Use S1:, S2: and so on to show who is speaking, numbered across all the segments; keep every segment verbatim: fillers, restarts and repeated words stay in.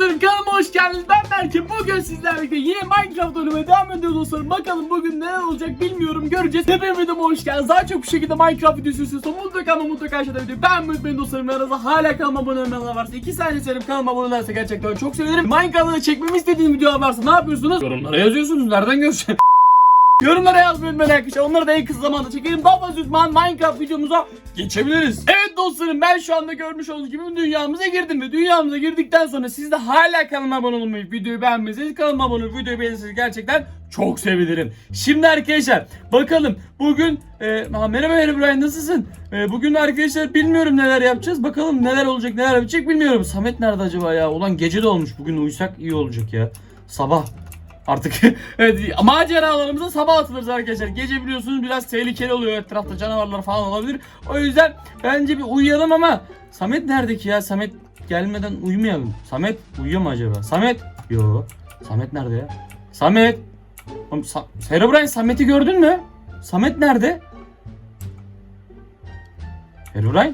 S1: dostlarım, kanalıma hoş geldiniz. Ben Berke. Bugün sizlerle birlikte yine Minecraft oynamaya devam ediyoruz dostlarım. Bakalım bugün neler olacak bilmiyorum, göreceğiz. Hepiniz videoma hoş geldiniz. Daha çok bu şekilde Minecraft videosu istiyorsanız mutlaka ama mutlaka aşağıda videoyu beğenmeyi unutmayın dostlarım. Arada hala kanalıma abone olmayanlar varsa iki saniye severim, kanalıma abone olursa gerçekten çok sevinirim. Minecraft'ta çekmemi istediğiniz videolar varsa ne yapıyorsunuz? Yorumlara yazıyorsunuz. Nereden göreceğim? Yorumlara yazmayı unutmayın arkadaşlar. Onları da en kısa zamanda çekelim. Daha fazla uzman Minecraft videomuza geçebiliriz. Evet dostlarım, ben şu anda görmüş olduğunuz gibi dünyamıza girdim ve dünyamıza girdikten sonra siz de hala kanalıma abone olmayı, videoyu beğenmezseniz kanalıma abone olup videoyu beğenirseniz gerçekten çok sevinirim. Şimdi arkadaşlar bakalım bugün e, ha, merhaba Herobrine, nasılsın? E, bugün arkadaşlar bilmiyorum neler yapacağız. Bakalım neler olacak, neler yapacak bilmiyorum. Samet nerede acaba ya? Ulan gece de olmuş. Bugün uyusak iyi olacak ya. Sabah. Artık evet, maceralarımıza sabah atılırız arkadaşlar. Gece biliyorsunuz biraz tehlikeli oluyor, etrafta canavarlar falan olabilir. O yüzden bence bir uyuyalım ama Samet nerede ki ya? Samet gelmeden uyumayalım. Samet uyuyor mu acaba? Samet? Yo. Samet nerede ya? Samet. Oğlum, Sa Herobrine, Samet'i gördün mü? Samet nerede? Herobrine?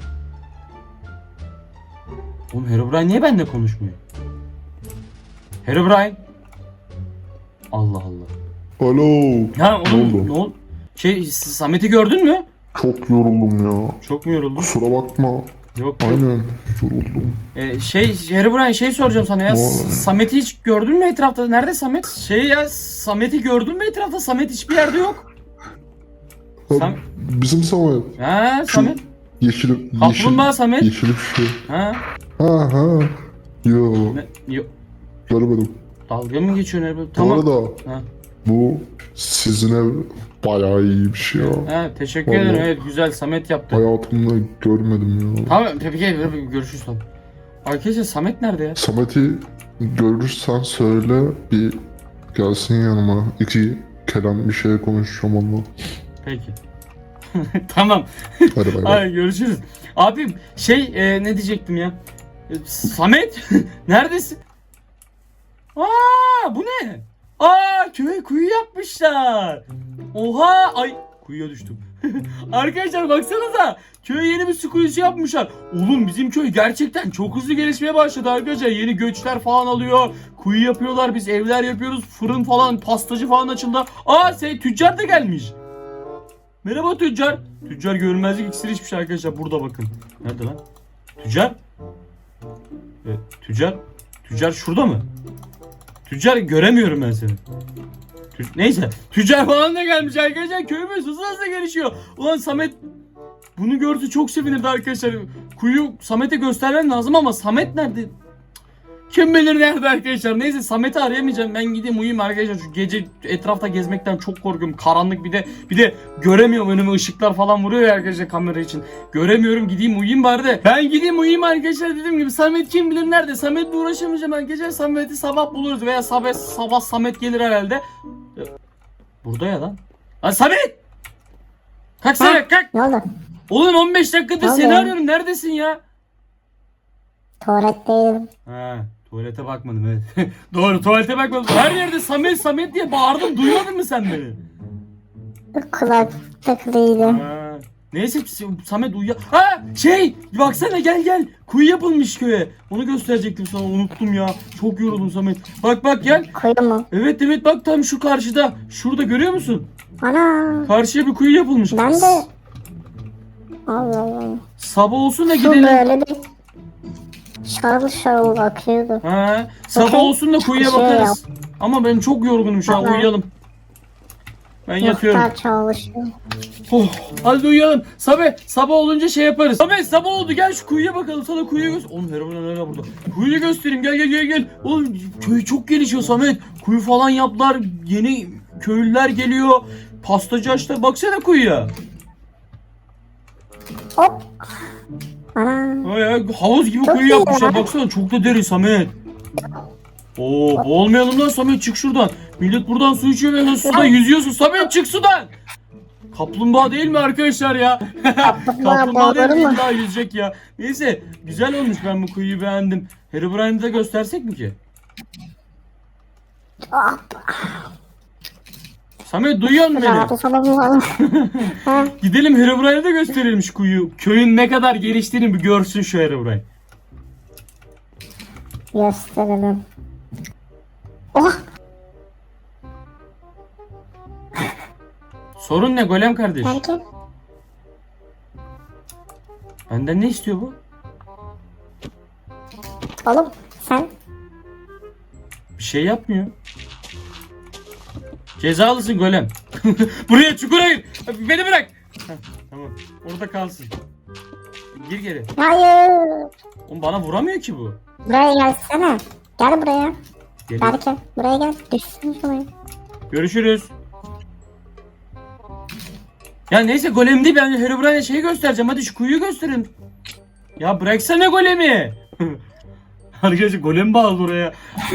S1: Oğlum Herobrine niye benimle konuşmuyor? Herobrine? Allah Allah.
S2: Alo.
S1: Ha oğlum
S2: oldu?
S1: ne oldu? Şey, Samet'i gördün mü?
S2: Çok yoruldum ya.
S1: Çok mu yoruldun?
S2: Kusura bakma.
S1: Yok. yok.
S2: Aynen yoruldum.
S1: Ee, şey Herobrine, şey soracağım sana ya.
S2: Ne oldu?
S1: Samet'i hiç gördün mü etrafta? Nerede Samet? Şey ya, Samet'i gördün mü etrafta? Samet hiçbir yerde yok.
S2: Ha,
S1: Sam
S2: bizim Samet.
S1: ha
S2: Şu
S1: Samet.
S2: Yeşil, yeşil,
S1: Kaplumbağa Samet.
S2: yeşil bir şey.
S1: Ha.
S2: Ha ha. Yo.
S1: Ne? Yok.
S2: Görmedim.
S1: Dalga mı geçiyorsun Herobrine?
S2: Bu
S1: Tamam.
S2: arada
S1: Ha.
S2: bu sizin ev bayağı iyi bir şey ya.
S1: Ha, teşekkür
S2: Vallahi.
S1: ederim. Evet, güzel, Samet yaptı.
S2: Hayatımda görmedim ya.
S1: Tamam, peki görüşürüz sonra. Arkadaşlar Samet nerede ya?
S2: Samet'i görürsen söyle, bir gelsin yanıma. İki kelam bir şey konuşacağım onunla.
S1: Peki. Tamam.
S2: Hadi bay bay.
S1: Hadi görüşürüz. Abim şey e, ne diyecektim ya? E, Samet neredesin? Aa, bu ne? Aa, köye kuyu yapmışlar. Oha, ay kuyuya düştüm. Arkadaşlar baksanıza, köye yeni bir su kuyusu yapmışlar. Oğlum bizim köy gerçekten çok hızlı gelişmeye başladı arkadaşlar. Yeni göçler falan alıyor. Kuyu yapıyorlar, biz evler yapıyoruz. Fırın falan, pastacı falan açıldı. Aa, şey, tüccar da gelmiş. Merhaba tüccar. Tüccar görünmezlik iksiri içmiş arkadaşlar. Burada bakın. Nerede lan? Tüccar? E, tüccar? Tüccar şurada mı? Tüccar göremiyorum ben seni. Tü Neyse. Tüccar falan da gelmiş arkadaşlar. Köyümüz hızlı hızlı gelişiyor. Ulan Samet bunu gördü, çok sevinirdi arkadaşlar. Kuyu Samet'e göstermem lazım ama Samet nerede? Kim bilir nerede arkadaşlar. Neyse, Samet'i arayamayacağım. Ben gideyim uyuyayım arkadaşlar. Şu gece etrafta gezmekten çok korkuyorum. Karanlık, bir de bir de göremiyorum, önüme ışıklar falan vuruyor ya arkadaşlar kamera için. Göremiyorum, gideyim uyuyayım bari de. Ben gideyim uyuyayım arkadaşlar, dediğim gibi. Samet kim bilir nerede? Samet'le uğraşamayacağım arkadaşlar. Samet'i sabah buluruz veya sabah sabah Samet gelir herhalde. Burada ya lan. Lan Samet! Kalk Samet, kalk!
S3: Ne oldu?
S1: Oğlum on beş dakikadır
S3: Ne oldu
S1: seni
S3: ya?
S1: arıyorum. Neredesin ya?
S3: Tuvaletteydim.
S1: Ha, tuvalete bakmadım, evet. Doğru, tuvalete bakmadım. Her yerde Samet Samet diye bağırdım. Duymadın mı sen beni?
S3: Kulak takılıydı.
S1: Ha. Neyse, Samet uyuya... Ha, şey, baksana, gel gel. Kuyu yapılmış köye. Onu gösterecektim sana, unuttum ya. Çok yoruldum Samet. Bak bak, gel.
S3: Kuyu mu?
S1: Evet evet, bak tam şu karşıda. Şurada görüyor musun?
S3: Ana.
S1: Karşıya bir kuyu yapılmış.
S3: Ben de. Allah Allah.
S1: Sabah olsun da
S3: Su
S1: gidelim.
S3: böyle bir şarıl şarıl akıyordu.
S1: Ha, sabah
S3: Bakın,
S1: olsun da kuyuya
S3: şey
S1: bakarız. Ama ben çok yorgunum şu an,
S3: Tamam.
S1: uyuyalım. Ben yatıyorum.
S3: Muhtar çalışıyor.
S1: Oh, hadi uyuyalım. Sabah, sabah olunca şey yaparız. Sabah, sabah oldu, gel şu kuyuya bakalım. Sana kuyuyu göster. Oğlum Herobrine hala burada. Kuyuyu göstereyim, gel gel gel gel. Oğlum köy çok gelişiyor Samet. Kuyu falan yaptılar. Yeni köylüler geliyor. Pastacı açtılar. Baksana kuyuya.
S3: Hop. Ana.
S1: Ha ya, havuz gibi
S3: Çok
S1: kuyu
S3: iyi
S1: yapmışlar.
S3: ya.
S1: Baksana, çok da derin Samet. Oo, boğulmayalım lan Samet, çık şuradan. Millet buradan su içiyor ve suda yüzüyorsun. Samet çık sudan. Kaplumbağa değil mi arkadaşlar ya? Kaplumbağa değil mi?
S3: boğulur mu?
S1: Daha yüzecek ya. Neyse, güzel olmuş, ben bu kuyuyu beğendim. Herobrine'i de göstersek mi ki?
S3: Hop.
S1: Samet, duyuyor musun beni?
S3: Rahatı sana bulalım. Ha.
S1: Gidelim Herobrine'e de gösterelim şu kuyu. Köyün ne kadar geliştiğini bir görsün şu Herobrine.
S3: gösterelim. Oh!
S1: Sorun ne Golem kardeş?
S3: Belki.
S1: Benden ne istiyor bu?
S3: Oğlum sen
S1: Bir şey yapmıyor. Cezalısın Golem. Buraya çukur ayır. Beni bırak. Heh, tamam. Orada kalsın. Gir geri.
S3: hayır.
S1: Oğlum bana vuramıyor ki bu.
S3: Buraya gelsene. Gel buraya.
S1: Geliyor.
S3: Belki buraya gel. Düşsün şuraya.
S1: Görüşürüz. Ya neyse Golem değil, ben Herobrine'e şeyi göstereceğim. Hadi şu kuyuyu gösterin. Ya bıraksana Golem'i. Arkadaşlar Golem bağlı oraya.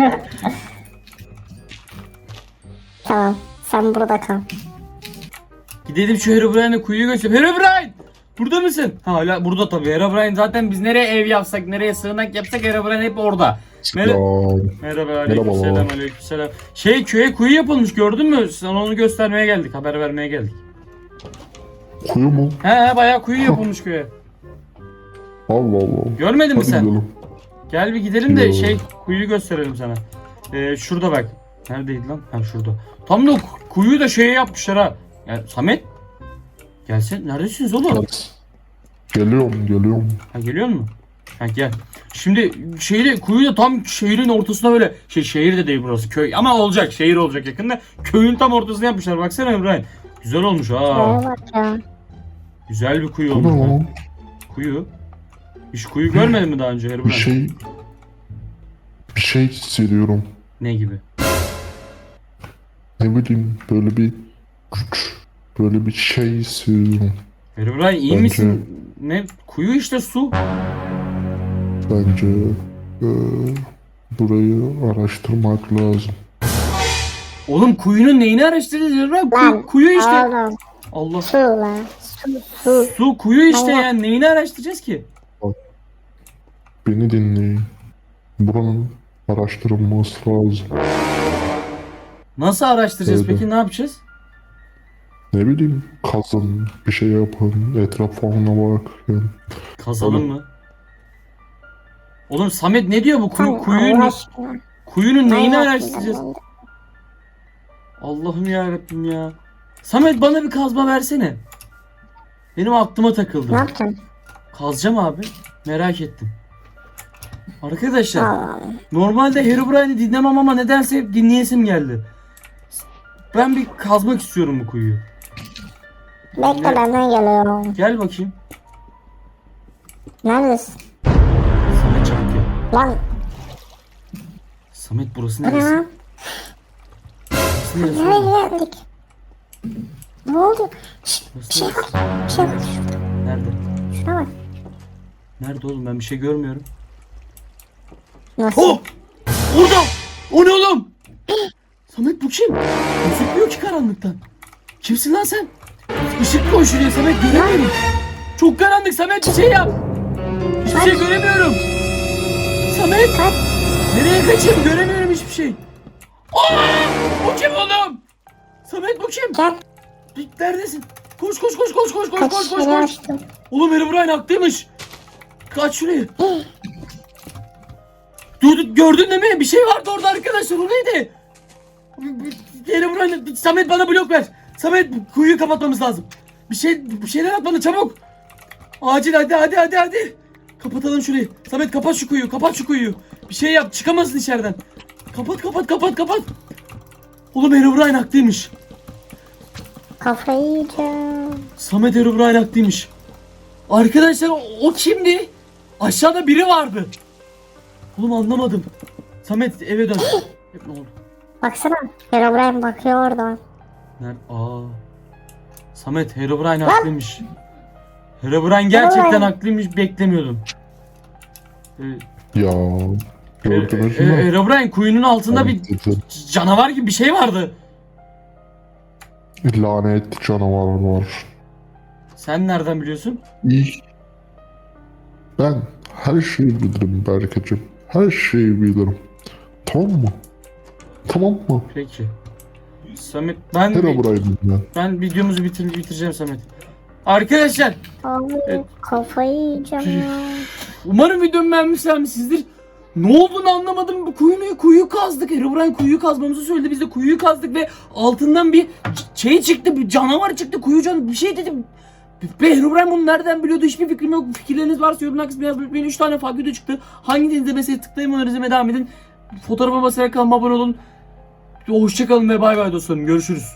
S3: Tamam. Sen burada kal.
S1: Gidelim şu Herobrine'e kuyuyu göstereyim. Herobrine! Burada mısın? Ha, hala burada tabii. Herobrine zaten biz nereye ev yapsak, nereye sığınak yapsak Herobrine hep orada. Mer-
S2: Ya
S1: Merhaba, aleykümselam, aleykümselam. Şey, köye kuyu yapılmış, gördün mü? Sana onu göstermeye geldik, haber vermeye geldik.
S2: kuyu mu?
S1: He he, bayağı kuyu yapılmış köye.
S2: Allah Allah.
S1: Görmedin mi
S2: Hadi
S1: sen?
S2: gidelim.
S1: Gel bir gidelim de
S2: Yo.
S1: şey, kuyuyu gösterelim sana. Ee, şurada bak. Neredeydi lan? Ha, şurada. Tam da kuyu da şeye yapmışlar ha. Yani Samet. Gelsen, neredesiniz oğlum?
S2: Evet. Geliyorum geliyorum.
S1: Ha, geliyor mu? Ha, gel. Şimdi şehri, kuyu da tam şehrin ortasına böyle, şey, şehir de değil burası, köy ama olacak, şehir olacak yakında. Köyün tam ortasına yapmışlar, baksana İbrahim. Güzel olmuş ha.
S3: Şuraya bak ya.
S1: Güzel bir kuyu
S2: Bu ne
S1: olmuş. ha.
S2: lan?
S1: Kuyu. Hiç kuyu görmedin mi daha önce
S2: Bir
S1: İbrahim?
S2: şey... Bir şey hissediyorum.
S1: Ne gibi?
S2: Ne bileyim böyle bir güç. Böyle bir şey hissediyorum.
S1: İbrahim iyi
S2: Bence-
S1: misin? Ne? Kuyu işte, su.
S2: Bence e, burayı araştırmak lazım.
S1: Oğlum kuyunun neyini araştırdınız İbrahim?
S3: Lan,
S1: Kuyu, kuyu işte.
S3: Oğlum.
S1: Allah.
S3: Su lan. Su su.
S1: Su, kuyu işte
S3: Allah.
S1: yani, neyini araştıracağız ki?
S2: Beni dinleyin. Buranın araştırılması lazım.
S1: Nasıl araştıracağız
S2: Öyle.
S1: peki, ne yapacağız?
S2: Ne bileyim kazın, bir şey yapın, etrafına bak. Yani.
S1: Kazalım
S2: Oğlum.
S1: mı? Oğlum Samet ne diyor bu kuyu,
S3: Tamam,
S1: kuyunun,
S3: Allah aşkına.
S1: kuyunun neyini
S3: Manyak
S1: araştıracağız?
S3: mısın?
S1: Allah'ım yarabbim ya. Samet bana bir kazma versene. Benim aklıma takıldı.
S3: Ne yapacaksın?
S1: Kazacağım abi. Merak ettim. Arkadaşlar
S3: Allah.
S1: normalde Herobrine'i dinlemem ama nedense hep dinleyesim geldi. Ben bir kazmak istiyorum bu kuyuyu.
S3: Bekle
S1: Ne?
S3: benden geliyorum.
S1: Gel bakayım.
S3: Neredesin?
S1: Samet çabuk gel.
S3: Lan
S1: Samet burası
S3: bu ne
S1: neresi?
S3: lan?
S1: Burası neresi? oğlum?
S3: Nereye geldik? Ne oldu? Şşt, bir
S1: Burası
S3: şey
S1: neresi?
S3: var. Bir şey var. Şurada.
S1: Nerede?
S3: Şuna bak.
S1: Nerede oğlum, ben bir şey görmüyorum.
S3: Nasıl?
S1: Oh! Orada! O ne oğlum? Samet bu kim? Gözükmüyor ki karanlıktan. Kimsin lan sen? Işık koy şuraya Samet, göremiyorum. Çok karanlık Samet, bir şey yap. Hiçbir şey göremiyorum. Samet!
S3: Kaç.
S1: Nereye kaçayım, göremiyorum hiçbir şey. Aa! Bu kim oğlum? Samet bu kim?
S3: Gel.
S1: Neredesin? Koş koş koş koş koş koş
S3: Kaç
S1: koş koş
S3: yere
S1: koş.
S3: açtım.
S1: Oğlum Herobrine haklıymış. Kaç şuraya. Dur, dur, gördün değil mi? Bir şey vardı orada arkadaşlar. O neydi? Herobrine, Samet bana blok ver. Samet, kuyuyu kapatmamız lazım. Bir şey, bir şeyler at bana çabuk. Acil, hadi hadi hadi hadi. Kapatalım şurayı. Samet kapat şu kuyuyu, kapat şu kuyuyu. Bir şey yap, çıkamazsın içeriden. Kapat kapat kapat kapat. Oğlum Herobrine haklıymış.
S3: Kafayı yiyeceğim.
S1: Samet Herobrine haklıymış. Arkadaşlar o, o kimdi? Aşağıda biri vardı. Oğlum anlamadım. Samet eve dön. Hep ne oldu?
S3: Baksana. Herobrine bakıyor oradan.
S1: Nerede? Aa. Samet Herobrine haklıymış. Herobrine gerçekten
S3: Herobrine.
S1: haklıymış, beklemiyordum. Ee,
S2: Ya
S1: e,
S2: gördünüz
S1: e,
S2: mü?
S1: Herobrine kuyunun altında bir
S2: Dedim,
S1: canavar gibi bir şey vardı.
S2: lanet canavar var.
S1: Sen nereden biliyorsun?
S2: İyi. Ben her şeyi bilirim Berkeciğim. Her şeyi bilirim. Tamam mı? Tamam mı?
S1: Peki. Samet ben
S2: Herobrine'im ben.
S1: ben videomuzu bitir bitireceğim Samet. Arkadaşlar
S3: Abi
S1: Evet.
S3: kafayı yiyeceğim ya.
S1: umarım videomu beğenmişsinizdir. Ne olduğunu anlamadım. Bu kuyuyu, kuyu kazdık. Herobrine kuyuyu kazmamızı söyledi. Biz de kuyuyu kazdık ve altından bir şey çıktı. Bir canavar çıktı. Kuyu canavarı bir şey dedim. Ve Herobrine bunu nereden biliyordu? Hiçbir fikrim yok. Fikirleriniz varsa yorumlar kısmına yazmayı unutmayın. üç tane farklı video çıktı. Hangi denizde mesela tıklayın, onları izlemeye devam edin. Fotoğrafa basarak kanalıma abone olun. Hoşçakalın ve bay bay dostlarım. Görüşürüz.